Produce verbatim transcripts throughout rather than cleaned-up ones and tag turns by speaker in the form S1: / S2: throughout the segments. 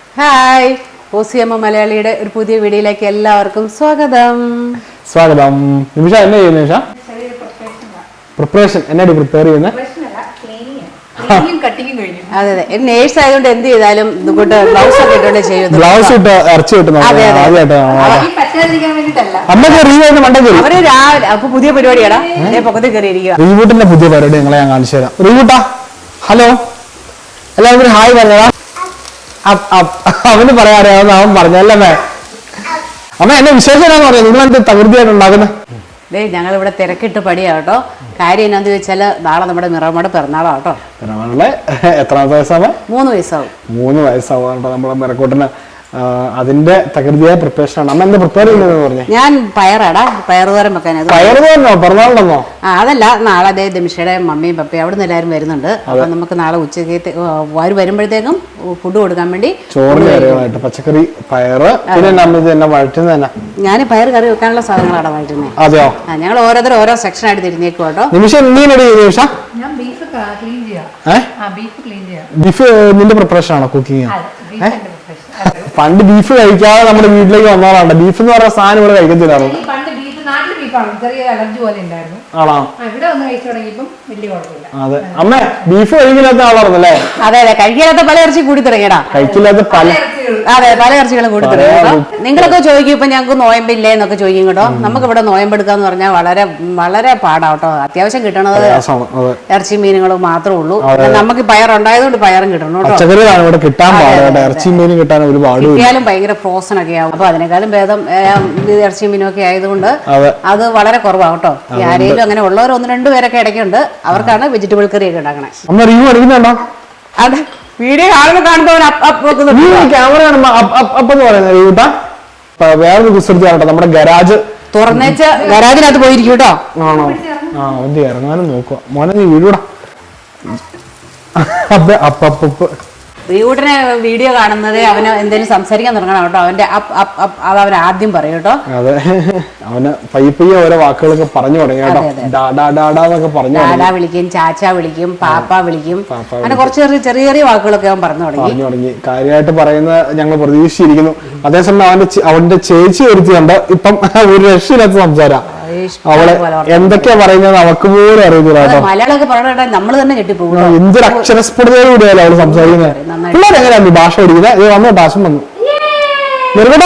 S1: Hi ഓസിയമ്മ മലയാളിയുടെ ഒരു പുതിയ വീഡിയോയിലേക്ക് എല്ലാവർക്കും സ്വാഗതം.
S2: സ്വാഗതം. നിമിഷ എന്നാ ചെയ്യുന്നത്? നിമിഷ പ്രിപ്പറേഷൻ എന്നാടി പ്രിപ്പയർ ചെയ്യുന്നത്?
S1: അതെ അതെ നേഴ്സ് ആയതുകൊണ്ട് എന്ത് ചെയ്താലും ബ്ലൗസ് ഒക്കെ ഇട്ടുകൊണ്ട് ചെയ്യുന്നു.
S2: ബ്ലൗസ് ഇട്ട് ഇറച്ചി കിട്ടുന്നു.
S1: അവര് രാവിലെ അപ്പൊ പുതിയ പരിപാടിയാടാ പൊക്കത്തിൽ കയറിയിരിക്കുക.
S2: റീബൂട്ടിന്റെ പുതിയ പരിപാടി നിങ്ങളെ ഞാൻ കാണിച്ചു തരാം. റീബൂട്ടാ ഹലോ എല്ലാവരും ഹായ് പറഞ്ഞതാ. അവന് പറയാറിയാവുന്ന അവൻ പറഞ്ഞല്ലേ. അമ്മ എന്നെ വിശേഷം എന്നാന്ന് പറയാം. നിങ്ങളെന്ത് തകൃതിയായിട്ട് ഉണ്ടാക്കുന്നത്?
S1: ദേ ഞങ്ങൾ ഇവിടെ തിരക്കിട്ട് പടിയാട്ടോ. കാര്യം എന്നാന്ന് ചോദിച്ചാല് നാളെ നമ്മുടെ മിറമ്മയുടെ പിറന്നാളാട്ടോ.
S2: പിറന്നാളിലെ എത്രാമത്തെ വയസ്സാണ്?
S1: മൂന്ന് വയസ്സാവും.
S2: മൂന്ന് വയസ്സാവും കേട്ടോ നമ്മുടെ മിറക്കൂട്ടിന്. അതിന്റെ തകൃതിയായ പ്രിപ്പറേഷൻ ആണ്. അമ്മ എന്താ പ്രിപ്പയർ ചെയ്യുന്നത് പറഞ്ഞു?
S1: ഞാൻ പയറാടാ പയറുതോരം വെക്കാൻ.
S2: പയറുതോരനോ? പിറന്നാളിനോ?
S1: ആ അതല്ല, നാളെ അതേ ദിമിഷയുടെ മമ്മിയും പപ്പയും അവിടെ നിന്ന് എല്ലാവരും വരുന്നുണ്ട്. അപ്പൊ നമുക്ക് നാളെ ഉച്ചക്ക് അവര് വരുമ്പോഴത്തേക്കും ഫുഡ് കൊടുക്കാൻ വേണ്ടി
S2: ചോറ് കറികളായിട്ട് പച്ചക്കറി പയറ് പിന്നെ വഴറ്റുന്നത് തന്നെ.
S1: ഞാൻ പയർ കറി വെക്കാനുള്ള സാധനങ്ങളാണ് വഴറ്റുന്നത്.
S2: അതെയോ?
S1: ഞങ്ങൾ ഓരോരുത്തരും ഓരോ സെക്ഷൻ ആയിട്ട് തിരിഞ്ഞേക്കും കേട്ടോ.
S2: നിമിഷം നിമിഷ ബീഫ് നിന്റെ പ്രിപ്പറേഷൻ ആണോ? കുക്കിംഗ്? പണ്ട് ബീഫ് കഴിക്കാതെ നമ്മുടെ വീട്ടിലേക്ക് വന്നതാണ്. ബീഫ് എന്ന് പറഞ്ഞ സാധനം ഇവിടെ കഴിക്കത്തില്ലായിരുന്നു. ആണോ? അതെ അമ്മ ബീഫ് കഴിക്കില്ലാത്ത ആളായിരുന്നല്ലേ?
S1: അതെ അതെ കഴിക്കാത്ത പല ഇറച്ചി കൂടി തുടങ്ങിയടാ.
S2: കഴിക്കില്ലാത്ത പല
S1: അതെ പല ഇറച്ചികളും കൂടി തുടങ്ങിയോ. നിങ്ങളൊക്കെ ചോദിക്കും ഇപ്പൊ ഞങ്ങൾക്ക് നോയമ്പില്ലേ എന്നൊക്കെ ചോദിക്കും കേട്ടോ. നമുക്ക് ഇവിടെ നോയമ്പെടുക്കാന്ന് പറഞ്ഞാൽ വളരെ വളരെ പാടാട്ടോ. അത്യാവശ്യം കിട്ടണത് ഇറച്ചി മീനുകളും മാത്രമേ ഉള്ളൂ. നമുക്ക് പയറുണ്ടായതുകൊണ്ട് പയറും കിട്ടണം കേട്ടോ.
S2: പച്ചക്കറികളാണ് ഇവിടെ കിട്ടാൻ പാടില്ല. ഇറച്ചി മീനും കിട്ടാൻ ഒരുപാട്
S1: കിട്ടിയാലും ഭയങ്കര ഫ്രോസൺ ഒക്കെ ആവും. അപ്പൊ അതിനേക്കാളും ഭേദം ഇറച്ചി മീനും ഒക്കെ ആയതുകൊണ്ട് അത് വളരെ കുറവാണ് കേട്ടോ. ആരെങ്കിലും അങ്ങനെ ഉള്ളവർ ഒന്ന് രണ്ടു പേരൊക്കെ ഇടയ്ക്കുണ്ട്. അവർക്കാണ് വെജിറ്റബിൾ കറി ഒക്കെ ഉണ്ടാക്കണേ. അതെ വീഡിയോ ആളുകൾ കാണുന്നവർ
S2: ക്യാമറ വേറൊരു കുസൃതിയാണോ നമ്മുടെ ഗരാജ്
S1: തുറന്നേച്ച് ഗരാജിനകത്ത് പോയിരിക്കും കേട്ടോ.
S2: ആണോ? ആ ഒന്ന് ഇറങ്ങാനും നോക്കുക മോനെ. നീ വീടൂടാ അപ്പ അപ്പ
S1: റീവൂട്ടിനെ വീഡിയോ കാണുന്നത് അവന് എന്തെങ്കിലും സംസാരിക്കാൻ തുടങ്ങണം കേട്ടോ. അവന്റെ അത് അവൻ ആദ്യം പറയും കേട്ടോ.
S2: അതെ അവന് പയ്യെ പയ്യെ ഓരോ വാക്കുകളൊക്കെ പറഞ്ഞു തുടങ്ങി കേട്ടോ. ഡാഡാ
S1: വിളിക്കും, ചാച്ച വിളിക്കും, പാപ്പ വിളിക്കും. അങ്ങനെ കുറച്ച് ചെറിയ ചെറിയ ചെറിയ വാക്കുകളൊക്കെ അവൻ പറഞ്ഞു തുടങ്ങി
S2: പറഞ്ഞു തുടങ്ങി കാര്യമായിട്ട് പറയുന്നത് ഞങ്ങൾ പ്രതീക്ഷിച്ചിരിക്കുന്നു. അതേസമയം അവന്റെ അവന്റെ ചേച്ചി ഒരുത്തിയുണ്ട്. ഇപ്പം ഒരു രക്ഷയില്ലാത്ത സംസാരം. അവളെ എന്തൊക്കെയാ പറയുന്നത് അവക്ക് പോലും അറിയത്തില്ല കേട്ടോ.
S1: മലയാളമൊക്കെ പറയണ നമ്മള് തന്നെ ഞെട്ടിപ്പോകും.
S2: എന്തൊരു അക്ഷരസ്ഫുടതയോട് കൂടിയല്ലോ അവള് സംസാരിക്കുന്നത്. പിള്ളേരെങ്ങനെയാ ഭാഷ പഠിക്കുന്നത്? ഇത് വന്നോ ടാശം വന്നു. നിർക്കട്ടെ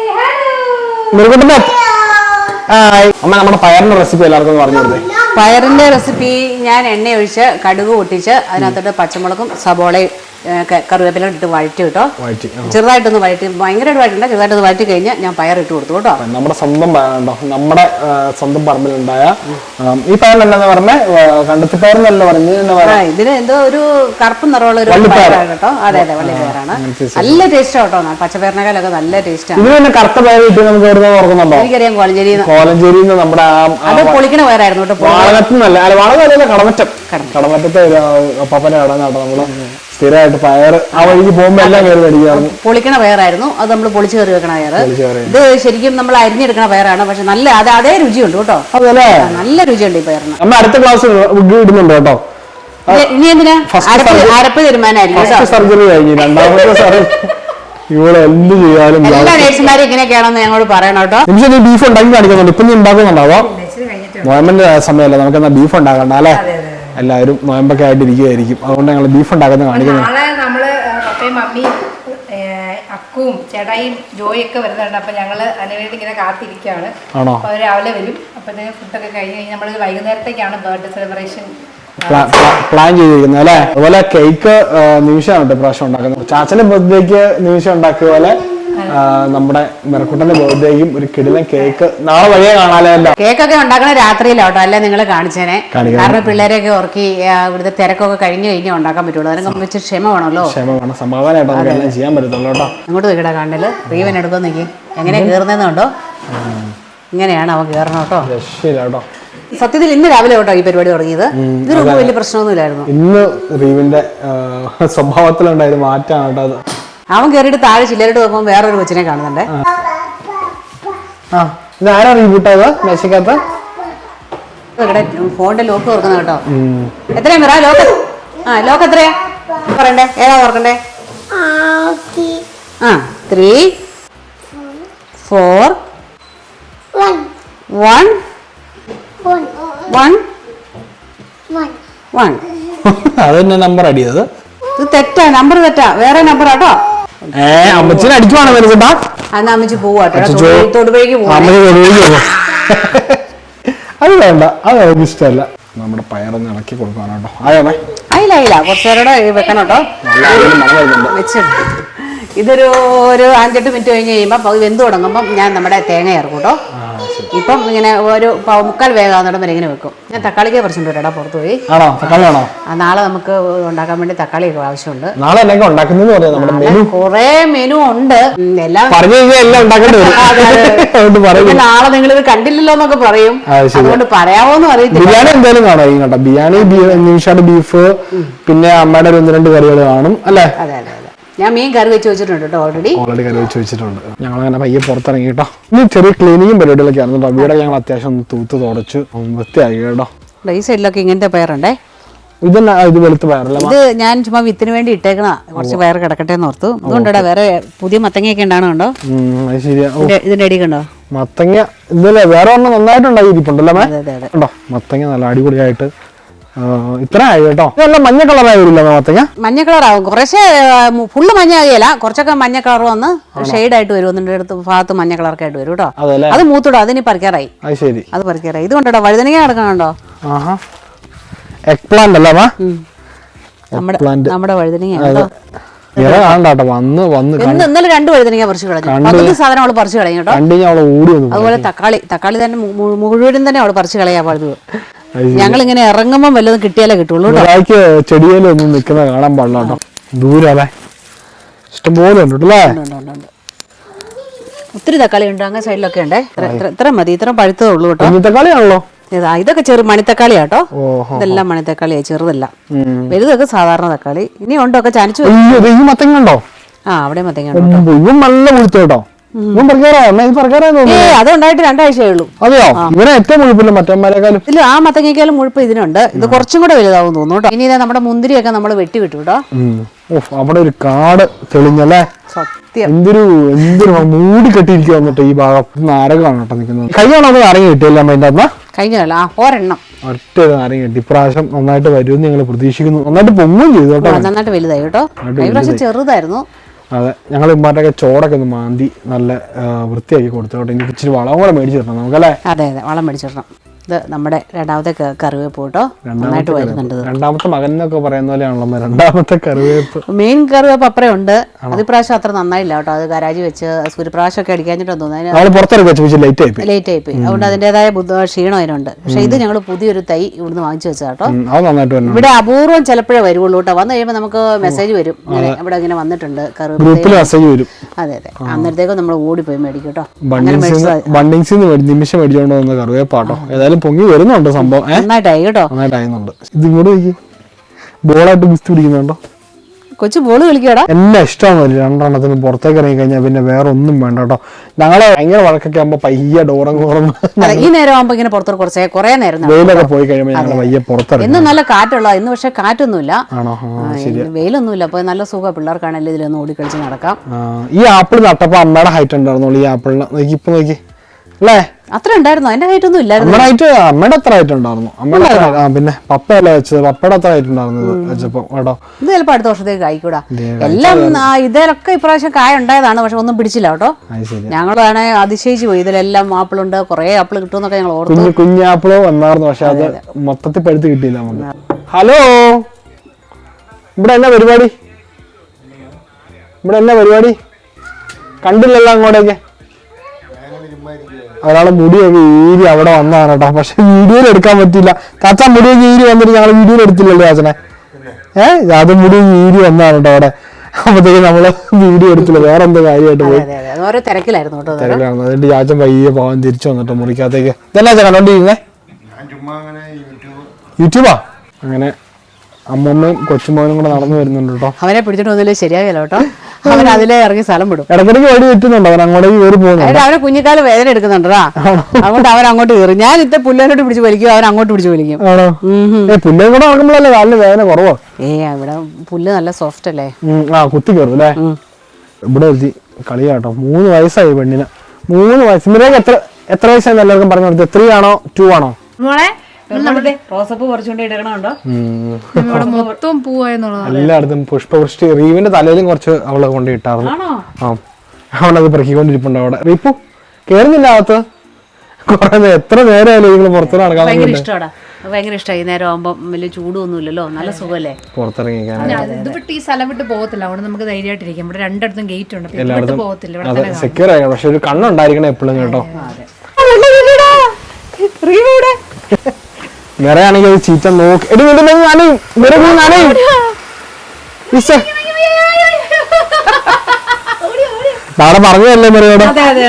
S2: നിർക്കട്ടെ അമ്മ നമ്മുടെ പയറിന്റെ റെസിപ്പി എല്ലാവർക്കും പറഞ്ഞു കൊടുത്തേ.
S1: പയറിന്റെ റെസിപ്പി ഞാൻ എണ്ണ ഒഴിച്ച് കടുക് പൊട്ടിച്ച് അതിനകത്തോട്ട് പച്ചമുളകും സബോളയും കറിവേപ്പില ഇട്ട് വഴറ്റി കേട്ടോ. ചെറുതായിട്ടൊന്ന് വഴറ്റി, ഭയങ്കരമായിട്ട് വഴറ്റണ്ട, ചെറുതായിട്ടൊന്ന് വഴറ്റി കഴിഞ്ഞാൽ ഞാൻ പയർ ഇട്ട് കൊടുത്തു കേട്ടോ.
S2: നമ്മുടെ സ്വന്തം പയറുണ്ടോ? നമ്മുടെ സ്വന്തം പറമ്പിലുണ്ടായ ഈ പയറിനെന്താ പറഞ്ഞ കണ്ടത്തി പയറിനല്ല പറഞ്ഞ
S1: ഇതിന് എന്തോ ഒരു കറുപ്പ് നിറമുള്ള ഒരു പയറാണ് കേട്ടോ. അതെ അതെ വള്ളി പയറാണ്. നല്ല ടേസ്റ്റ് കേട്ടോ. പച്ചപ്പയറിനേക്കാളൊക്കെ നല്ല ടേസ്റ്റാണ്.
S2: ഇതിന് കറുത്ത പയർ കിട്ടി നമുക്ക് ഓർക്കുന്നുണ്ടോ?
S1: എനിക്കറിയാം കോലഞ്ചേരി
S2: കോലഞ്ചേരി നമ്മുടെ
S1: അത് പൊളിക്കണ പയറായിരുന്നു കേട്ടോ.
S2: വാളകത്തുനിന്നല്ല അല്ല വാളകല്ല കടമറ്റം കടമറ്റത്തെ പപ്പന്റെ കട കേട്ടോ. നമ്മള് സ്ഥിരമായിട്ട് പയർ ആ വഴിക്ക് പോകുമ്പോ എല്ലാം കയറി മേടിക്കാറുണ്ട്.
S1: പൊളിക്കണ പയറായിരുന്നു അത്. നമ്മൾ പൊളിച്ച് കയറി വെക്കണ പയർ. ഇത് ശരിക്കും നമ്മൾ അരിഞ്ഞെടുക്കണ പയറാണ്. പക്ഷെ നല്ല അത് അതേ രുചിയുണ്ട് കേട്ടോ. അതല്ലേ നല്ല രുചിയുണ്ട് ഈ പയറിന്.
S2: അമ്മ അടുത്ത ക്ലാസ് ഇടുന്നുണ്ട് കേട്ടോ.
S1: ഇനി എന്തിനാ അരപ്പ് തീരുമാനമായിരിക്കും.
S2: സർജറി കഴിഞ്ഞു. രണ്ടാമത്തെ സർജറി ഇവിടെ എന്ത് ചെയ്യാനും
S1: എല്ലാ നേഴ്സുമാരും ഇങ്ങനെയൊക്കെയാണെന്ന് ഞങ്ങളോട് പറയണം കേട്ടോ.
S2: നിമിഷം നീ ബീഫ് ഉണ്ടാക്കി കാണിക്കുന്നുണ്ട്. ഇപ്പൊ നീ ഉണ്ടാക്കുന്നുണ്ടാവോ? നോയമ്പിന്റെ സമയമല്ല, നമുക്കെന്നാ ബീഫ് ഉണ്ടാക്കണ്ട അല്ലേ? എല്ലാവരും നോയമ്പൊക്കെ ആയിട്ട് ഇരിക്കുകയായിരിക്കും. അതുകൊണ്ട് ഞങ്ങൾ ബീഫ് ഉണ്ടാക്കുന്ന കാണിക്കുന്നത്.
S3: നമ്മള് പപ്പയും മമ്മിയും അക്കും ചേട്ടായും ജോയൊക്കെ വരുന്നുണ്ട്. അപ്പൊ ഞങ്ങള് അതിനുവേണ്ടി ഇങ്ങനെ കാത്തിരിക്കുകയാണ്. അപ്പൊ അവര് രാവിലെ വരും. അപ്പത്തേക്ക് ഫുഡൊക്കെ കഴിഞ്ഞ് കഴിഞ്ഞ് നമ്മള് വൈകുന്നേരത്തേക്കാണ് ബർത്ത്ഡേ സെലിബ്രേഷൻ
S2: പ്ലാൻ ചെയ്തിരിക്കുന്നത് അല്ലെ. അതുപോലെ കേക്ക് നിമിഷമാണ് കേട്ടോ പ്രാവശ്യം ഉണ്ടാക്കുന്നത്. ചാച്ചന്റെ ബർത്ത്ഡേക്ക് നിമിഷം ഉണ്ടാക്കിയ പോലെ നമ്മുടെ മെറക്കുട്ടന്റെ ബർത്ത്ഡേക്കും ഒരു കിടിലൻ കേക്ക് നാളെ വഴിയെ കാണാലോ.
S1: കേക്കൊക്കെ ഉണ്ടാക്കണ രാത്രിയിലോട്ടോ അല്ലെ നിങ്ങള് കാണിച്ചേനെ. കാരണം പിള്ളേരെയൊക്കെ ഓർക്കി ഇവിടുത്തെ തിരക്കൊക്കെ കഴിഞ്ഞു കഴിഞ്ഞാൽ ഉണ്ടാക്കാൻ പറ്റുള്ളൂ. അതിനൊക്കെ വെച്ച് ക്ഷമ വേണമല്ലോ.
S2: ക്ഷമ വേണം, സമാധാനമായിട്ട് എല്ലാം ചെയ്യാൻ പറ്റത്തുള്ളൂ കേട്ടോ.
S1: അങ്ങോട്ട് നിൽക്കട കണ്ടല് റീവൻ എടുക്കാൻ നിൽക്കി എങ്ങനെയാ കയറുന്നതെന്നുണ്ടോ. ഇങ്ങനെയാണ് അവൻ കയറണം കേട്ടോ.
S2: രക്ഷയില്ല കേട്ടോ.
S1: സത്യത്തിൽ ഇന്ന് രാവിലെ കേട്ടോ ഈ പരിപാടി തുടങ്ങിയത്. ഇതിനൊന്നും വലിയ പ്രശ്നമൊന്നുമില്ലായിരുന്നു.
S2: ഇന്ന് റീവിന്റെ സ്വഭാവത്തിലുണ്ടായത് മാറ്റാണ് കേട്ടോ അത്.
S1: അവൻ കയറിയിട്ട് താഴെ ചില്ലറിട്ട് നോക്കുമ്പോൾ വേറൊരു കൊച്ചിനെ കാണുന്നുണ്ടേ.
S2: ആരാ റീബൂട്ടത് മേശക്കകത്ത്?
S1: ഫോണിന്റെ ലോക്ക് തുറക്കുന്ന കേട്ടോ. എത്രയാ മിറ ലോക്ക്? ആ ലോക്ക് എത്രയാ പറയണ്ടേ? ഏതാ തുറക്കണ്ടേ? ആ three four one one one.
S2: അത് തന്നെ നമ്പർ അടിയത്.
S1: ഇത് തെറ്റാ, നമ്പർ തെറ്റാ, വേറെ നമ്പർ ആട്ടോ.
S2: ഏ അമ്മച്ചിനെ അടിക്കുവാണോ വരുന്നുണ്ടാ?
S1: അന്ന് അമ്മച്ചി പോവാട്ടോ, തൊടുപുഴയ്ക്ക് പോവാ.
S2: അത് വേണ്ട, അത് എനിക്ക് ഇഷ്ടമല്ല. നമ്മുടെ പയറൊന്ന് ഇളക്കി കൊടുക്കാനാട്ടോ. ആയോമേ
S1: അയില്ല അയില്ല കുറച്ചു നേരം വെക്കണോട്ടോ. വെച്ചിട്ട് ഇതൊരു ഒരു അഞ്ചെട്ട് മിനിറ്റ് കഴിഞ്ഞ് കഴിയുമ്പോൾ വെന്ത് തുടങ്ങുമ്പോൾ ഞാൻ നമ്മുടെ തേങ്ങ ചേർക്കും കേട്ടോ. ഇപ്പം ഇങ്ങനെ ഒരു മുക്കാൽ വേഗാവുന്നിടം വരെ ഇങ്ങനെ വെക്കും. ഞാൻ തക്കാളിക്ക് കുറച്ചുണ്ട് കേട്ടോ പുറത്ത് പോയി.
S2: ആണോ തക്കാളി ആണോ?
S1: നാളെ നമുക്ക് ഉണ്ടാക്കാൻ വേണ്ടി തക്കാളിയൊക്കെ ആവശ്യമുണ്ട്.
S2: നാളെ എന്നൊക്കെ ഉണ്ടാക്കുന്നത്
S1: കുറെ മെനു ഉണ്ട്. എല്ലാം നാളെ നിങ്ങൾ ഇത് കണ്ടില്ലല്ലോ എന്നൊക്കെ പറയും. അതുകൊണ്ട് പറയാവോന്നും അറിയത്തില്ല.
S2: ബിരിയാണി എന്തായാലും കാണാം കേട്ടോ. ബിരിയാണി, നിമിഷയുടെ ബീഫ്, പിന്നെ അമ്മയുടെ ഒരു ഒന്ന് രണ്ട് കറികൾ കാണും അല്ലേ?
S1: അതെ അതെ അതെ. ഞാൻ മീൻ കറി വെച്ച് വെച്ചിട്ടുണ്ട് കേട്ടോ. ഓൾറെഡി
S2: ഓൾറെഡി കറി വെച്ച് വെച്ചിട്ടുണ്ട്. ഞങ്ങൾ അങ്ങനെ പയ്യെ പുറത്തിറങ്ങി കേട്ടോ. ഇനി ചെറിയ ക്ലീനിങ്ങും പരിപാടികളൊക്കെ ആയിരുന്നു കേട്ടോ. വീടെ ഞങ്ങൾ അത്യാവശ്യം ഒന്ന് തൂത്ത് തുടച്ചു വൃത്തിയാക്കി കേട്ടോ.
S1: ഈ സൈഡിലൊക്കെ ഇങ്ങനത്തെ പയറുണ്ടേ.
S2: ഇതന്നെ ഇത് വെളുത്ത പയറല്ല.
S1: ഇത് ഞാൻ ചുമ്മാ വിത്തിന് വേണ്ടി ഇട്ടേക്കണ. കുറച്ച് പയർ കിടക്കട്ടെ എന്ന് ഓർത്തു. ഇതുകൊണ്ടോ വേറെ പുതിയ മത്തങ്ങയൊക്കെ ഉണ്ടാണോ കണ്ടോ?
S2: ശരിയാ.
S1: ഇതിന്റെ അടി കണ്ടോ
S2: മത്തങ്ങ? ഇതല്ലേ വേറെ ഒന്നും നന്നായിട്ടുണ്ടായി ഇരിപ്പുണ്ടല്ലോ കേട്ടോ. മത്തങ്ങ നല്ല അടിപൊളിയായിട്ട് ഇത്ര ആയി കേട്ടോ. ഇതെല്ലാം മഞ്ഞ കളറായി വരില്ല മത്തങ്ങ? മഞ്ഞ
S1: കളറാവും കുറച്ച്. ഫുള്ള് മഞ്ഞ ആകിയല്ല, കുറച്ചൊക്കെ മഞ്ഞ കളർ വന്ന് ഷെയ്ഡ് ആയിട്ട് വരും. ഒന്നിന്റെ അടുത്ത് ഭാഗത്ത് മഞ്ഞ കളറൊക്കെ ആയിട്ട് വരും കേട്ടോ. അത് മൂത്തിടോ, അതിനി പറിക്കാറായി.
S2: ശരി, അത്
S1: പറിക്കാറായി. ഇത് കൊണ്ടോ വഴുതനങ്ങ കിടക്കണുണ്ടോ?
S2: എഗ് പ്ലാന്റ് അല്ലേ
S1: നമ്മുടെ വഴുതനങ്ങ.
S2: ഇന്നലെ
S1: രണ്ട് വഴുതനങ്ങ പറിച്ചു കളഞ്ഞു. സാധനം അവള് പറിച്ചു കളയും കേട്ടോ. അതുപോലെ തക്കാളി തക്കാളി തന്നെ മുഴുവനും തന്നെ അവള് പറിച്ചു കളയാ പാടുന്നത്. ഞങ്ങൾ ഇങ്ങനെ ഇറങ്ങുമ്പോൾ വല്ലതും കിട്ടിയാലേ കിട്ടുള്ളൂ.
S2: ചെടിയിലൊന്നും നിൽക്കുന്ന കാണാൻ പാടില്ല കേട്ടോ. ദൂരല്ലേ ഇഷ്ടംപോലെ ഉണ്ട് അല്ലേ? ഒത്തിരി
S1: തക്കാളി ഉണ്ട്. അങ്ങനെ സൈഡിലൊക്കെ ഉണ്ട്. ഇത്ര മതി, ഇത്ര പഴുത്തതേ ഉള്ളൂ കേട്ടോ.
S2: തക്കാളിയാണല്ലോ
S1: ഇതൊക്കെ ചെറു മണിത്തക്കാളിയാട്ടോ. ഇതെല്ലാം മണിത്തക്കാളിയാ, ചെറുതല്ല. വലുതൊക്കെ സാധാരണ തക്കാളി. ഇനി ഉണ്ടോ ഒക്കെ ചാനിച്ചു.
S2: മത്തങ്ങണ്ടോ?
S1: ആ അവിടെ മത്തങ്ങ
S2: നല്ല മുഴുത്ത കേട്ടോ.
S1: അതുണ്ടായിട്ട് രണ്ടാഴ്ചയേ ഉള്ളൂ.
S2: അതെയോ? ഇവരെ ഏറ്റവും മുഴുപ്പില്ല മറ്റന്മാരെക്കാളും.
S1: ഇല്ല, ആ മത്തങ്ങയ്ക്കാലും മുഴുപ്പ് ഇതിനുണ്ട്. ഇത് കുറച്ചും കൂടെ വലുതാവും തോന്നുന്നു കേട്ടോ. ഇനി നമ്മുടെ മുന്തിരിയൊക്കെ നമ്മൾ വെട്ടി വിട്ടു കേട്ടോ.
S2: അവിടെ ഒരു കാട് തെളിഞ്ഞല്ലേ?
S1: സത്യം.
S2: എന്തൊരു എന്തൊരു മൂടി കെട്ടിയിരിക്കുക വന്നിട്ട് ഈ ഭാഗം നാരകമാണ് കേട്ടോ നിൽക്കുന്നത്. കൈയാണോ അത് നാരങ്ങ കിട്ടിയല്ലോ അതിന്റെ അമ്മ?
S1: കഴിഞ്ഞല്ല, ആ ഒരെണ്ണം
S2: ഒറ്റ നാരങ്ങ കിട്ടി. ഇപ്രാവശ്യം നന്നായിട്ട് വരുമെന്ന് ഞങ്ങൾ പ്രതീക്ഷിക്കുന്നു. നന്നായിട്ട് പൊങ്ങും ചെയ്തു കേട്ടോ.
S1: നന്നായിട്ട് വലുതായി കേട്ടോ. ഇപ്രാവശ്യം ചെറുതായിരുന്നു.
S2: അതെ, ഞങ്ങൾ ഇമ്മാറ്റൊക്കെ ചോടൊക്കെ ഒന്ന് മാന്തി നല്ല വൃത്തിയാക്കി കൊടുത്തു കേട്ടോ. ഇനി ഇച്ചിരി വളം കൂടെ മേടിച്ചു തരണം നമുക്കല്ലേ?
S1: അതെ അതെ, വളം മേടിച്ചിടണം. ഇത് നമ്മുടെ രണ്ടാമത്തെ കറിവേപ്പ് കേട്ടോ. നന്നായിട്ട് വരുന്നുണ്ട്.
S2: രണ്ടാമത്തെ മകൻ എന്നൊക്കെ പറയുന്ന പോലെയാണല്ലോ രണ്ടാമത്തെ കറിവേപ്പ്.
S1: മെയിൻ കറിവേപ്പ് അപ്പറേ ഉണ്ട്. അത് ഇപ്രാവശ്യം അത്ര നന്നായില്ല കേട്ടോ. അത് ഗരാജി വെച്ച് സൂര്യപ്രാവശ്യം ഒക്കെ അടിക്കാഞ്ഞിട്ടും തോന്നുന്നു ലേറ്റ് ആയി പോയി. അതുകൊണ്ട് അതിന്റേതായ ക്ഷീണം അതിനുണ്ട്. പക്ഷെ ഇത് ഞങ്ങൾ പുതിയൊരു തൈ ഇവിടുന്ന് വാങ്ങിച്ചു വെച്ചാ കേട്ടോ. ഇവിടെ അപൂർവം ചിലപ്പോഴേ വരുവുള്ളൂ കേട്ടോ. വന്നു കഴിയുമ്പോൾ നമുക്ക് മെസ്സേജ് വരും, ഇവിടെ ഇങ്ങനെ വന്നിട്ടുണ്ട് കറിവേപ്പ്. അതെ അതെ, അന്നേരത്തേക്കും നമ്മൾ ഓടിപ്പോയി മേടിക്കും കേട്ടോ.
S2: നിമിഷം മേടിച്ചോണ്ട് വന്ന കറിവേപ്പാട്ടോ. ഏതായാലും പൊങ്ങി വരുന്നുണ്ട് സംഭവം.
S1: നന്നായിട്ടായി കേട്ടോ.
S2: നന്നായിട്ടായിരുന്നുണ്ട്. ഇത് ഇങ്ങോട്ട് നോക്കി ബോളായിട്ട് ഗുസ്തി പിടിക്കുന്നുണ്ടോ?
S1: കൊച്ചു ബോള് കളിക്കടാ.
S2: എല്ലാം ഇഷ്ടമാണ്. രണ്ടെണ്ണത്തിന് പുറത്തേക്ക് ഇറങ്ങി കഴിഞ്ഞാൽ പിന്നെ വേറെ ഒന്നും വേണ്ട കേട്ടോ. ഞങ്ങള് ഭയങ്കര വഴക്കൊക്കെ ആകുമ്പോ പയ്യെ ഡോറും കോറും
S1: ഈ നേരം ആകുമ്പോ ഇങ്ങനെ പുറത്തോട്ട് കുറച്ചേ കുറെ നേരം
S2: വെയിലൊക്കെ പോയി കഴിയുമ്പോൾ ഞങ്ങൾ പയ്യെ പുറത്തിറങ്ങി.
S1: ഇന്ന് നല്ല കാറ്റുള്ള, ഇന്ന് പക്ഷെ കാറ്റൊന്നുമില്ല, വെയിലൊന്നുമില്ല. അപ്പൊ നല്ല സുഖം പിള്ളേർക്കാണെങ്കിലും ഇതിലൊന്ന് ഓടിക്കളിച്ച് നടക്കാം.
S2: ഈ ആപ്പിൾ നട്ടപ്പോ അമ്മയുടെ ഹൈറ്റ് ഉണ്ടായിരുന്നുള്ളൂ. ഈ ആപ്പിളിന് നോക്കി ഇപ്പൊ നോക്കി അല്ലേ?
S1: അത്ര ഉണ്ടായിരുന്നു. അതിന്റെ ഹൈറ്റ് ഒന്നും ഇല്ലായിരുന്നു.
S2: അമ്മയുടെ അത്ര ഹൈറ്റ് ഉണ്ടായിരുന്നു. അമ്മയുടെ പിന്നെ പപ്പയല്ലേ വെച്ചത്, പപ്പയുടെ അത്ര ഹൈറ്റ് ഉണ്ടായിരുന്നത് വെച്ചപ്പോ കേട്ടോ.
S1: ഇത് ചിലപ്പോ അടുത്ത വർഷത്തേക്ക് കായ്ക്കൂടാ. എല്ലാം ഇതിലൊക്കെ ഇപ്രാവശ്യം കായ ഉണ്ടായതാണ്, പക്ഷെ ഒന്നും പിടിച്ചില്ല കേട്ടോ. ഞങ്ങളാണ് അതിശയിച്ചു പോയി. ഇതിലെല്ലാം ആപ്പിളുണ്ട്, കുറെ ആപ്പിൾ കിട്ടുമെന്നൊക്കെ ഞങ്ങൾ ഓർത്തു.
S2: കുഞ്ഞാപ്പിളോ വന്നായിരുന്നു, പക്ഷെ അത് മൊത്തത്തിൽ പഴുത്ത് കിട്ടിയില്ല നമുക്ക്. ഹലോ, ഇവിടെ എന്നാ പരിപാടി? ഇവിടെ എന്നാ പരിപാടി? കണ്ടില്ലല്ലോ അങ്ങോട്ടേക്ക്. ഒരാളെ മുടിയൊക്കെ ഈരി അവിടെ വന്നതാണ് കേട്ടോ. പക്ഷെ വീഡിയോയിൽ എടുക്കാൻ പറ്റില്ല. ചാച്ചാ മുടിയൊക്കെ ഈരി വന്നിട്ട് ഞങ്ങൾ വീഡിയോയിൽ എടുത്തില്ലല്ലോ ചാച്ചനെ. ഏഹ് അത് മുടി ഈരി വന്നതാണ് കേട്ടോ അവിടെ. അപ്പത്തേക്ക് നമ്മള് വീഡിയോ എടുത്തില്ല, വേറെ എന്തോ കാര്യമായിട്ട് പോയി
S1: തിരക്കിലായിരുന്നു.
S2: അതുകൊണ്ട് ചാച്ചൻ പയ്യെ പോവാൻ തിരിച്ചു വന്നിട്ട് മുറിക്കകത്തേക്ക്. ഇതെന്നാ കണ്ടോണ്ടിരുന്നേ? യൂട്യൂബാ. അങ്ങനെ അമ്മമ്മയും കൊച്ചുമോനും കൂടെ നടന്നു വരുന്നുണ്ട് കേട്ടോ.
S1: അവനെ പിടിച്ചിട്ട് വന്നില്ലേ ശരിയാകില്ല കേട്ടോ. അവൻ അതിലെ ഇറങ്ങി സ്ഥലം വിടും.
S2: ഇടയ്ക്കിടയ്ക്ക് വഴി തെറ്റുന്നുണ്ടോ? അവൻ അങ്ങോട്ടേക്ക് കയറി പോകുന്നുണ്ട്.
S1: അവനെ കുഞ്ഞിക്കാലം വേദന എടുക്കുന്നുണ്ടാ. അതുകൊണ്ട് അവൻ അങ്ങോട്ട് കയറി. ഞാൻ ഇത്തെ പുല്ലേനോട്ട് പിടിച്ച് വലിക്കും, അവൻ അങ്ങോട്ട് പിടിച്ച് വലിക്കും.
S2: പുല്ലേം കൂടെ നടക്കുമ്പോഴല്ലേ കാലിന് വേദന കുറവോ?
S1: ഏ ഇവിടെ പുല്ല് നല്ല സോഫ്റ്റ് അല്ലേ?
S2: ആ കുത്തി കയറും അല്ലേ? ഇവിടെ എത്തി കളിയാട്ടോ. മൂന്ന് വയസ്സായി പെണ്ണിന്, മൂന്ന് വയസ്സ്. മിറേക്ക് എത്ര എത്ര വയസ്സായി എല്ലാവർക്കും പറഞ്ഞു കൊടുത്തത്? ത്രീ ആണോ ടു ആണോ?
S1: റോസപ്പൂ കുറച്ചുകൊണ്ട് ഇടണോ?
S3: മൊത്തം പൂവായെന്നുള്ളത്
S2: എല്ലായിടത്തും പുഷ്പവൃഷ്ടി. റീവിന്റെ തലയിലും കുറച്ച് അവള് കൊണ്ട് ഇട്ടായിരുന്നു. ആ അവളത് പെറുക്കിക്കൊണ്ടിരിപ്പുണ്ട് അവിടെ. റീപ്പു കേറുന്നില്ല അകത്ത്. കുറെ എത്ര നേരമല്ലേ നിങ്ങൾ പുറത്തു നടക്കാൻ?
S1: ഭയങ്കര ഇഷ്ടമാണ്, ഭയങ്കര ഇഷ്ടമായി. നേരം ആകുമ്പോൾ വലിയ ചൂടൊന്നുമില്ലല്ലോ, നല്ല സുഖമല്ലേ
S2: പുറത്തിറങ്ങിക്കാൻ.
S3: ഇത് വിട്ട് ഈ സ്ഥലം വിട്ട് പോകത്തില്ല, അവിടെ നമുക്ക് ധൈര്യമായിട്ടിരിക്കും. ഇവിടെ രണ്ടിടത്തും ഗേറ്റ് ഉണ്ട്, എല്ലായിടത്തും പോകത്തില്ല.
S2: അതെ, സെക്യൂർ ആയി. പക്ഷെ ഒരു കണ്ണുണ്ടായിരിക്കണം എപ്പോഴും കേട്ടോ. നിറയാണെങ്കിൽ അത് ചീറ്റ നോക്കി എടി നനയും. നാളെ പറഞ്ഞതല്ലേ മെറിയോട്?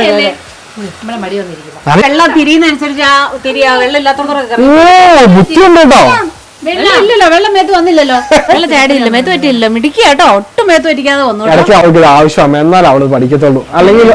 S1: വെള്ളം തിരിയുന്നനുസരിച്ച് ആ തിരിയാ വെള്ളം ഇല്ലാത്തോണ്ടൊക്കെ
S2: ബുദ്ധിയുണ്ട് കേട്ടോ.
S1: ഇല്ലല്ലോ, വെള്ളം മേത്ത് വന്നില്ലല്ലോ, വെള്ളം ചാടിയില്ല, മേത്ത് പറ്റിയില്ല. മിടിക്കുക കേട്ടോ, ഒട്ടും മേത്ത് പറ്റിക്കാതെ വന്നു.
S2: ഇടയ്ക്ക് അവൾക്ക് ആവശ്യമാണ്, എന്നാൽ അവള് പഠിക്കത്തുള്ളൂ. അല്ലെങ്കിൽ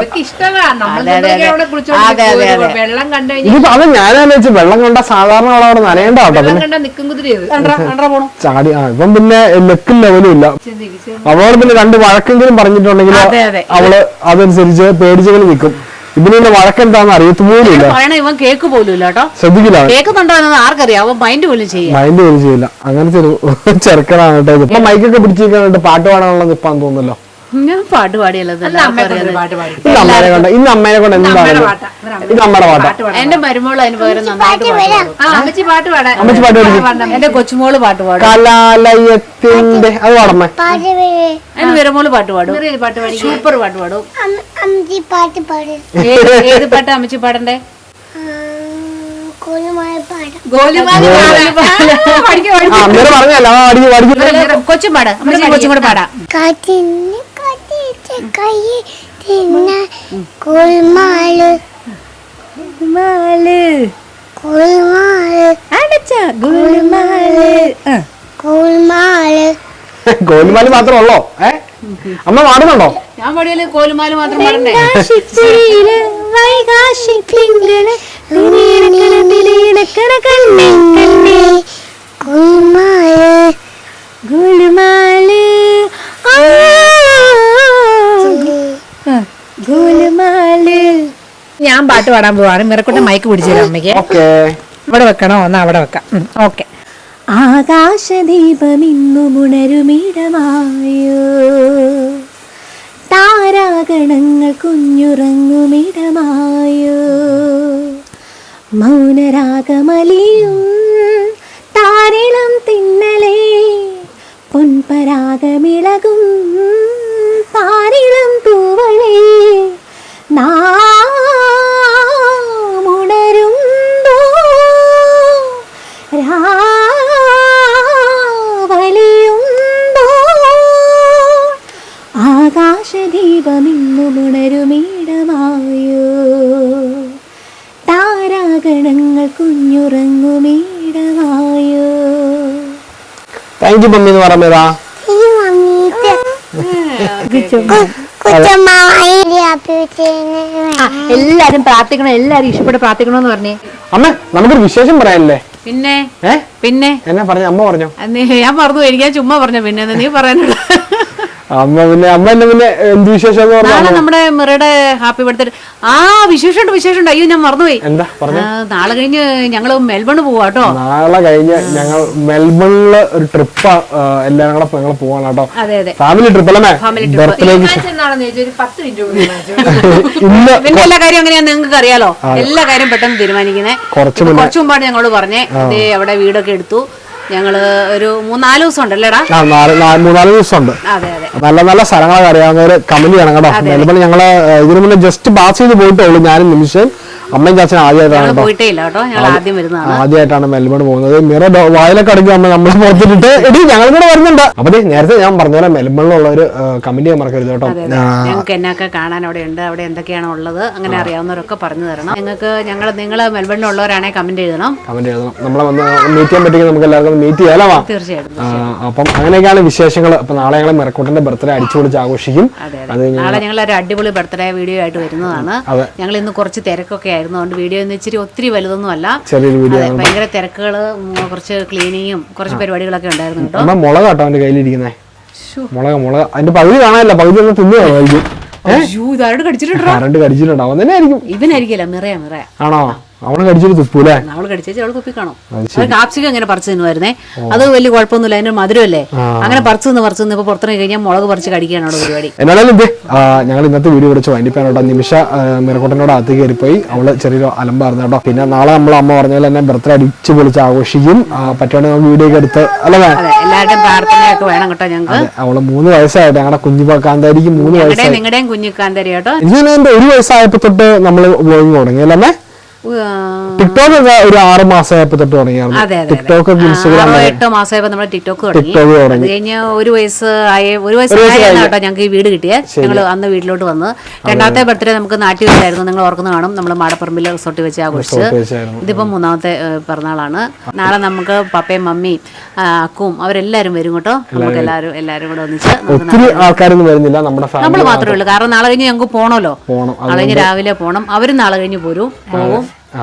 S3: വെള്ളം കണ്ടു
S2: അത് ഞാനാന്ന് വെച്ച് വെള്ളം കണ്ട സാധാരണ അവളവിടെ നനയേണ്ട കേട്ടോ. ചാടി ആ ഇപ്പം പിന്നെ ലെക്കും ലെവലും ഇല്ല. അവളോട് പിന്നെ രണ്ട് വഴക്കെങ്കിലും പറഞ്ഞിട്ടുണ്ടെങ്കിൽ അവള് അതനുസരിച്ച് പേടിച്ചെങ്കിലും നിൽക്കും. ഇതിന് വഴക്കെന്താന്ന് അറിയത്തുപോലില്ല.
S1: ഇവൻ കേക്ക് പോലും ഇല്ല കേട്ടോ,
S2: ശ്രദ്ധിക്കില്ല.
S1: കേൾക്കുന്നുണ്ടോ എന്ന് ആർക്കറിയാം, അവൻ മൈൻഡ് പോലും ചെയ്യും
S2: മൈൻഡ് പോലും ചെയ്യില്ല. അങ്ങനത്തെ ഒരു ചെറുക്കനാണ് കേട്ടോ. ഇപ്പൊ മൈക്കൊക്കെ പിടിച്ചിരിക്കാനായിട്ട് പാട്ട് പാടാനുള്ള നിപ്പാന്ന് തോന്നുന്നല്ലോ.
S1: ഞാൻ പാട്ട് പാടിയല്ലോ.
S2: ഇന്ന് അമ്മേനെ കൊണ്ട് ഇന്ന് അമ്മേനെ കൊണ്ട് എന്താണ് ഇത് അമ്മയുടെ പാട്ടാ.
S1: എന്റെ മരുമോള് അതിന് പകരം നന്നായിട്ട്
S3: അമ്മച്ചി പാട്ട് പാടാൻ.
S2: അമ്മച്ചി പാട്ട് പാടി.
S1: എന്റെ കൊച്ചുമോള് പാട്ട് പാടും.
S2: കലാലയത്തിന്റെ അത് പാടമ്മേ.
S1: എന്റെ മരുമോള് പാട്ട് പാടും, പാട്ട് പാടി സൂപ്പർ പാട്ട് പാടും. ഏത് പാട്ടാ അമ്മച്ചി പാടണ്ടേ? കൊച്ചും പാടാ, കൊച്ചും കൂടെ പാടാം.
S2: ഗോലുമാല് മാത്രമേ ഉള്ളോ? ഏ അമ്മ പാടുന്നുണ്ടോ?
S1: ഞാൻ പാടിയാല് കോലുമാല് മാത്രം പാടണ്ടേ?
S3: ഞാൻ പാട്ട് പാടാൻ പോവാണ്. മിറക്കുട്ട മൈക്ക് പിടിച്ചില്ല അമ്മയ്ക്ക്. ഇവിടെ വെക്കണോ? എന്നാ അവിടെ വെക്കാം. ഓക്കെ.
S4: ആകാശദീപമിന്നുമുണരുമിടമായോ, താരാഗണങ്ങൾ കുഞ്ഞുറങ്ങുമിടമായോ, മൗനരാഗമലിയും താരിളം തിന്നലേ, പൊൻപരാഗമിളകും താരിളം തൂവളേ, നാമുണരുമ്പോ രാവലിയുമ്പോ, ആകാശദീപമിന്നുമുണരുമിടമായോ, താരാഗണങ്ങൾ കുഞ്ഞുറങ്ങുമിടമായോ.
S2: താങ്ക് യു മമ്മി എന്ന് പറയുന്നതാ.
S3: എല്ലാരും പ്രാർത്ഥിക്കണം, എല്ലാരും ഇഷ്ടപ്പെട്ട് പ്രാർത്ഥിക്കണമെന്ന് പറഞ്ഞേ.
S2: അമ്മ നമുക്കൊരു വിശേഷം പറയാനല്ലേ?
S1: പിന്നെ
S2: ഏ
S1: പിന്നെ
S2: എന്നാ പറഞ്ഞു? അമ്മ പറഞ്ഞോ?
S1: ഞാൻ പറഞ്ഞു, എനിക്ക് ചുമ്മാ പറഞ്ഞു. പിന്നെ നീ പറയാനുള്ള
S2: അമ്മ പിന്നെ അമ്മ എന്നെ പിന്നെ എന്ത് വിശേഷം?
S1: നാളെ നമ്മുടെ മിറയുടെ ഹാപ്പി ബർത്ത്ഡേ. ആ വിശേഷമുണ്ട്, വിശേഷമുണ്ട്. അയ്യോ ഞാൻ മറന്നുപോയി.
S2: എന്താ പറഞ്ഞു?
S1: നാളെ കഴിഞ്ഞ് ഞങ്ങള് മെൽബൺ പോവാ കേട്ടോ.
S2: നാളെ കഴിഞ്ഞ് ഞങ്ങൾ മെൽബണില് ഒരു ട്രിപ്പ് എല്ലാരും കൂടെ ഞങ്ങൾ പോവാണ് കേട്ടോ.
S1: അതെ അതെ,
S2: ഫാമിലി ട്രിപ്പ് അല്ലേ? ബർത്ത്ഡേക്ക്
S1: പിന്നെ എല്ലാ കാര്യം അങ്ങനെയാ നിങ്ങൾക്ക് അറിയാലോ. എല്ലാ കാര്യം പെട്ടെന്ന് തീരുമാനിക്കുന്നേ. കുറച്ചു മുമ്പാണ് ഞങ്ങളോട് പറഞ്ഞേ. അതേ അവിടെ വീടൊക്കെ എടുത്തു. ഞങ്ങള് ഒരു മൂന്നാല് ദിവസം ഉണ്ടല്ലേടാ?
S2: മൂന്നാല് ദിവസം ഉണ്ട്.
S1: അതെ അതെ,
S2: നല്ല നല്ല സ്ഥലങ്ങളൊക്കെ അറിയാവുന്നവര് കമന്റ് ചെയ്യണം കേട്ടോ. മെൽബൺ ഞങ്ങള് ഇതിനു മുന്നേ ജസ്റ്റ് പാസ് ചെയ്ത് പോയിട്ടേ ഉള്ളൂ. ഞാനും നിമിഷം അമ്മയും ചാച്ചനും ആദ്യമായിട്ടാണ്
S1: പോയിട്ടേ ഇല്ല കേട്ടോ. ഞങ്ങൾ ആദ്യം വരുന്നതാണ്,
S2: ആദ്യമായിട്ടാണ് മെൽബൺ പോകുന്നത്. മിറ വായിലൊക്കെ അടയ്ക്കും അമ്മ നമ്മളെ പുറത്തിട്ട് എടി ഞങ്ങൾ കൂടെ വരുന്നുണ്ട്. അപ്പൊ നേരത്തെ ഞാൻ പറഞ്ഞ പോലെ മെൽബണിലുള്ള ഒരു കമന്റ് ചെയ്യാൻ മറക്കരുത് കേട്ടോ.
S1: ഞങ്ങൾക്ക് എന്നൊക്കെ കാണാൻ അവിടെ ഉണ്ട്, അവിടെ എന്തൊക്കെയാണ് ഉള്ളത് അങ്ങനെ അറിയാവുന്നവരൊക്കെ പറഞ്ഞു തരണം. നിങ്ങൾക്ക് ഞങ്ങൾ നിങ്ങൾ മെൽബണിലുള്ളവരാണെങ്കിൽ കമന്റ് എഴുതണം,
S2: കമന്റ് എഴുതണം. നമ്മളെ വന്ന് മീറ്റ് ചെയ്യാൻ പറ്റുമെങ്കിൽ നമുക്ക് എല്ലാവർക്കും മീറ്റ് ചെയ്യാലോ?
S1: തീർച്ചയായിട്ടും.
S2: അപ്പം അങ്ങനെയൊക്കെയാണ് വിശേഷങ്ങൾ. അപ്പൊ നാളെ ഞങ്ങൾ മിറക്കുട്ടന്റെ ബർത്ത്ഡേ അടിച്ചു പൊളിച്ച് ആഘോഷിക്കും.
S1: നാളെ ഞങ്ങൾ ഒരു അടിപൊളി ബർത്ത്ഡേ വീഡിയോ ആയിട്ട് വരുന്നതാണ്. ഞങ്ങൾ ഇന്ന് കുറച്ച് തിരക്കൊക്കെ ആയിരുന്നു, അതുകൊണ്ട് വീഡിയോ ഒന്ന് ഇച്ചിരി ഒത്തിരി വലുതൊന്നും അല്ല, ചെറിയൊരു വീഡിയോ. ഭയങ്കര തിരക്കുകള്, കുറച്ച് ക്ലീനിങ്ങും കുറച്ച് പരിപാടികളൊക്കെ ഉണ്ടായിരുന്നു കേട്ടോ.
S2: മുളക് കേട്ടോ അവന്റെ കയ്യിലിരിക്കുന്നേ. മുളക് മുളക് അതിന്റെ പകുതി കാണാനില്ല, പകുതി ഒന്ന് തിന്നുകയായിരിക്കും.
S1: ഇതാരോട് കടിച്ചിട്ടുണ്ടോ?
S2: കറണ്ട് കടിച്ചിട്ടുണ്ടാവും തന്നെ ആയിരിക്കും.
S1: ഇവനായിരിക്കില്ല, മിറയാ മിറയാ.
S2: ആണോ? അവള് കടിച്ചിട്ട് തുപ്പൂലേ?
S1: അവള് കടിച്ചേച്ച് അവള് തുപ്പി കാണും. അത് കാപ്സിക്കം അങ്ങനെ പറിച്ചു തിന്നുമായിരുന്നേ, അത് വലിയ കുഴപ്പമൊന്നുമില്ല, അതിന്റെ മധുരമല്ലേ. അങ്ങനെ പറിച്ചു നിന്ന് പറിച്ചു നിന്ന് ഇപ്പൊ പുറത്തിറങ്ങി കഴിഞ്ഞാൽ മുളക് പറിച്ച് കടിക്കാണ് അവിടെ പരിപാടി.
S2: എന്നാലും ഇത് ഞങ്ങൾ ഇന്നത്തെ വീഡിയോ വിളിച്ചു വൈകിട്ടാണ്. നിമിഷ മിറക്കുട്ടനോട് അകത്ത് കയറിപ്പോയി, അവള് ചെറിയൊരു അലമ്പായിരുന്നു കേട്ടോ. പിന്നെ നാളെ നമ്മൾ അമ്മ പറഞ്ഞ പോലെ തന്നെ ബർത്ത്ഡേ അടിച്ച് പൊളിച്ച് ആഘോഷിക്കും. പറ്റുവാണെങ്കിൽ നമുക്ക് വീഡിയോ ഒക്കെ എടുത്ത് അല്ലേ?
S1: എല്ലാവരുടെയും പ്രാർത്ഥനയൊക്കെ വേണം കേട്ടോ ഞങ്ങൾക്ക്.
S2: അവള് മൂന്ന് വയസ്സായിട്ട് ഞങ്ങളുടെ കുഞ്ഞു കാന്താരിക്ക് മൂന്ന് വയസ്സായി.
S1: നിങ്ങളുടെയും കുഞ്ഞു കാന്താരി കേട്ടോ.
S2: ഇതിന് എന്റെ ഒരു വയസ്സായപ്പോ തൊട്ട് നമ്മള് വ്ലോഗിങ് തുടങ്ങി അല്ലേ? ടിക്ടോക്ക് ഒക്കെ ഒരു ആറ് മാസമായപ്പോ തൊട്ട് തുടങ്ങിയായിരുന്നു. ടിക്ടോക്ക് ഇൻസ്റ്റാഗ്രാം
S1: എട്ടോ മാസമായപ്പോ നമ്മള് ടിക്ടോക്ക് തുടങ്ങി. അത് കഴിഞ്ഞ് ഒരു വയസ്സ് ആയ ഒരു വയസ്സ് കേട്ടോ ഞങ്ങൾക്ക് ഈ വീട് കിട്ടിയേ. ഞങ്ങൾ അന്ന് വീട്ടിലോട്ട് വന്ന് രണ്ടാമത്തെ ബർത്ത്ഡേ നമുക്ക് നാട്ടിൽ വെച്ചായിരുന്നു. നിങ്ങൾ ഓർക്കുന്ന കാണും, നമ്മൾ മാടപ്പറമ്പിൽ റിസോർട്ടിൽ വെച്ച് ആഘോഷിച്ച്. ഇതിപ്പോ മൂന്നാമത്തെ പിറന്നാളാണ്. നാളെ നമുക്ക് പപ്പയും മമ്മിയും അക്കും അവരെല്ലാരും വരും കേട്ടോ. നമുക്ക് എല്ലാവരും എല്ലാരും കൂടെ ഒന്നിച്ച്
S2: ഒത്തിരി ആൾക്കാരൊന്നും വരുന്നില്ല, നമ്മുടെ
S1: നമ്മൾ മാത്രമേ ഉള്ളൂ. കാരണം നാളെ കഴിഞ്ഞ് ഞങ്ങൾക്ക് പോണല്ലോ, നാളെ കഴിഞ്ഞ് രാവിലെ പോണം. അവരും നാളെ കഴിഞ്ഞ് പോരും പോകും.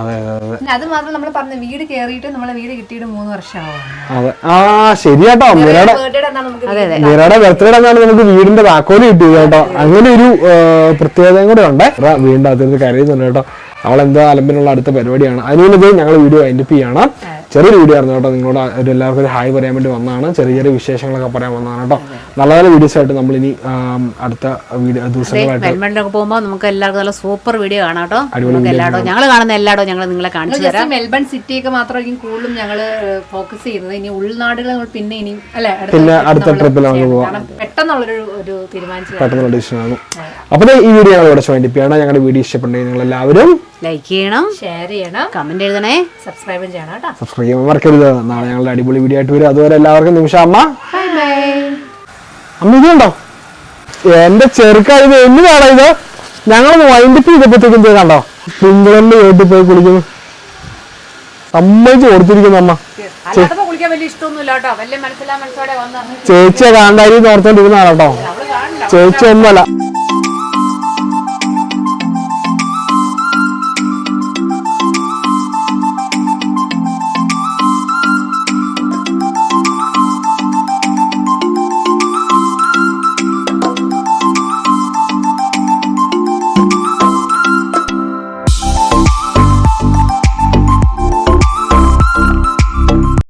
S3: അത് മാത്രം നമ്മൾ പറഞ്ഞ വീട് കേറിയിട്ട് നമ്മളെ വീട് കിട്ടിയിട്ട് മൂന്ന് വർഷമാവും.
S2: അതെ, ആ ശരിയാട്ടോ. മിറയുടെ മിറയുടെ ബർത്ത്ഡേ എന്നാണ് നമുക്ക് വീടിന്റെ താക്കോല് കിട്ടിയത് കേട്ടോ. അങ്ങനെ ഒരു പ്രത്യേകതയും കൂടെ ഉണ്ട്. വീടിന്റെ അകത്ത് കരയുന്നുണ്ട് കേട്ടോ. അവളെന്തോ അലമ്പിനുള്ള അടുത്ത പരിപാടിയാണ്. അതിനുള്ളത് ഞങ്ങൾ വീഡിയോ വൈൻഡപ്പ് ചെയ്യണം. ചെറിയൊരു വീഡിയോ ആയിരുന്നു കേട്ടോ. നിങ്ങളോട് ഒരു എല്ലാവർക്കും ഒരു ഹായ് പറയാൻ വേണ്ടി വന്നതാണ്. ചെറിയ ചെറിയ വിശേഷങ്ങളൊക്കെ പറയാൻ വന്നതാണ് കേട്ടോ. നല്ല നല്ല വീഡിയോസ് ആയിട്ട് നമ്മൾ ഇനി അടുത്ത വീഡിയോ ദിവസങ്ങളായിട്ട്
S1: പോകുമ്പോൾ നമുക്ക് എല്ലാവർക്കും നല്ല സൂപ്പർ വീഡിയോ കാണാം കേട്ടോ. എല്ലായിടവും ഞങ്ങൾ കാണുന്ന എല്ലായിടവും ഞങ്ങൾ നിങ്ങളെ കാണിച്ചു തരാം.
S3: മെൽബൺ സിറ്റിയൊക്കെ മാത്രമായിരിക്കും കൂടുതലും ഞങ്ങൾ ഫോക്കസ് ചെയ്യുന്നത്. ഇനി ഉൾനാടുകൾ പിന്നെ ഇനി അല്ലെ
S2: പിന്നെ അടുത്ത ട്രിപ്പിൽ നമുക്ക്
S3: പോകാം. പെട്ടെന്നുള്ളൊരു ഒരു തീരുമാനിച്ചു
S2: പെട്ടെന്നുള്ള ഡിസിഷനാണ്. അപ്പോൾ ഈ വീഡിയോ ഞങ്ങൾ ഇവിടെ വൈൻഡപ്പ് ചെയ്യണം. ഞങ്ങളുടെ വീഡിയോ ഇഷ്ടപ്പെട്ടെങ്കിൽ നിങ്ങൾ എല്ലാവരും
S1: ലൈക്ക് ചെയ്യണം,
S3: ഷെയർ ചെയ്യണം,
S1: കമന്റ് എഴുതണേ,
S3: സബ്സ്ക്രൈബ് ചെയ്യണം കേട്ടോ.
S2: സബ്സ്ക്രൈബ് ചെയ്യാൻ മറക്കരുത്. നാളെ ഞങ്ങളുടെ അടിപൊളി വീഡിയോ ആയിട്ട് വരും. അതുവരെ എല്ലാവർക്കും നിമിഷ അമ്മ
S3: ബൈ ബൈ.
S2: അമ്മ ഇതുണ്ടോ എന്റെ ചെറുക്കായത് എന്നതാണോ ഇത്? ഞങ്ങളൊന്ന് വൈൻഡപ്പ് ചെയ്തപ്പോഴത്തേക്കും കണ്ടോ പിങ്കളന്റെ വീട്ടിൽ പോയി കുളിക്കുന്നു. സമ്മതിച്ച് കൊടുത്തിരിക്കുന്നു അമ്മ. ചേച്ചിയെ കാന്താരി ഓർത്തോണ്ടിരുന്നാണ് കേട്ടോ. ചേച്ചി ഒന്നുമല്ല.